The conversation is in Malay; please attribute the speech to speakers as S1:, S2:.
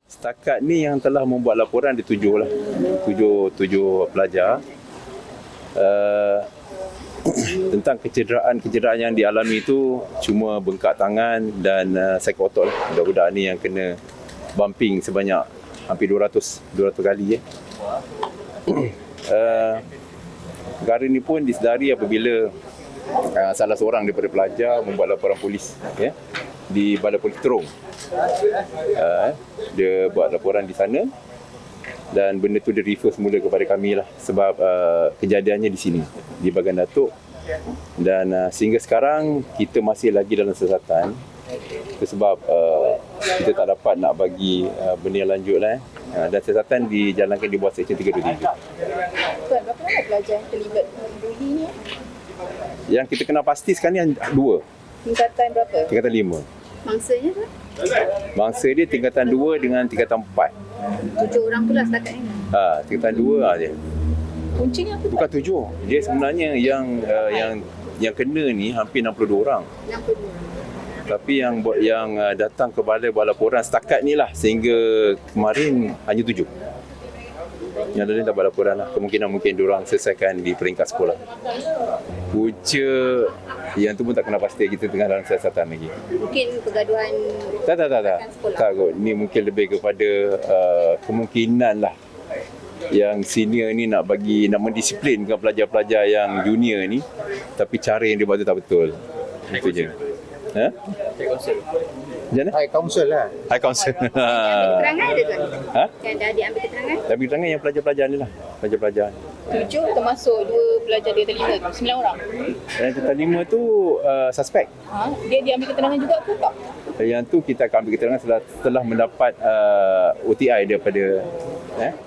S1: Setakat ni yang telah membuat laporan ada 7 lah. 7 pelajar. Tentang kecederaan yang dialami itu cuma bengkak tangan dan sakit otot lah. Budak-budak ni yang kena bumping sebanyak hampir 200 kali. Perkara ni pun disedari apabila salah seorang daripada pelajar membuat laporan polis di Balai Polis Terong. Dia buat laporan di sana dan benda tu dia refer semula kepada kami lah sebab kejadiannya di sini di Bagan Datuk dan sehingga sekarang kita masih lagi dalam siasatan sebab kita tak dapat nak bagi benda yang lanjut lah dan siasatan dijalankan di bawah Seksyen 323.
S2: Tuan, berapa ramai pelajar yang terlibat bully ni?
S1: Yang kita kenal pasti sekarang ni 2.
S2: Tingkatan berapa?
S1: Tingkatan 5.
S2: Mangsanya tu?
S1: Mangsa dia tingkatan 2 dengan tingkatan 4.
S2: 7 orang pula setakat ni.
S1: Tingkatan 2 je.
S2: Kuncinya apa?
S1: Bukan 7. Dia sebenarnya yang kena ni hampir 62 orang.
S2: 62.
S1: Tapi yang datang ke balai buat laporan setakat ni lah sehingga kemarin hanya 7. Yang lain tak buat laporan lah. Kemungkinan mungkin diorang selesaikan di peringkat sekolah. Punca yang tu pun tak kena pasti, kita tengah dalam siasatan lagi.
S2: Mungkin pergaduhan
S1: Tak kot. Ni mungkin lebih kepada kemungkinan lah yang senior ni nak mendisiplinkan pelajar-pelajar yang junior ni, tapi cara yang dia buat tu tak betul. Itu je. High Council. Macam mana?
S3: High Council lah.
S1: High Council.
S2: keterangan ada tuan?
S1: Ha?
S2: Yang dah diambil keterangan?
S1: Tapi keterangan yang pelajar-pelajar ni lah. Pelajar-pelajar.
S2: 7 termasuk 2 pelajar dia terlibat tu, 9 orang.
S1: Yang tingkatan 5 tu suspek.
S2: Dia diambil keterangan juga ke tak?
S1: Yang tu kita akan ambil keterangan setelah mendapat OTI daripada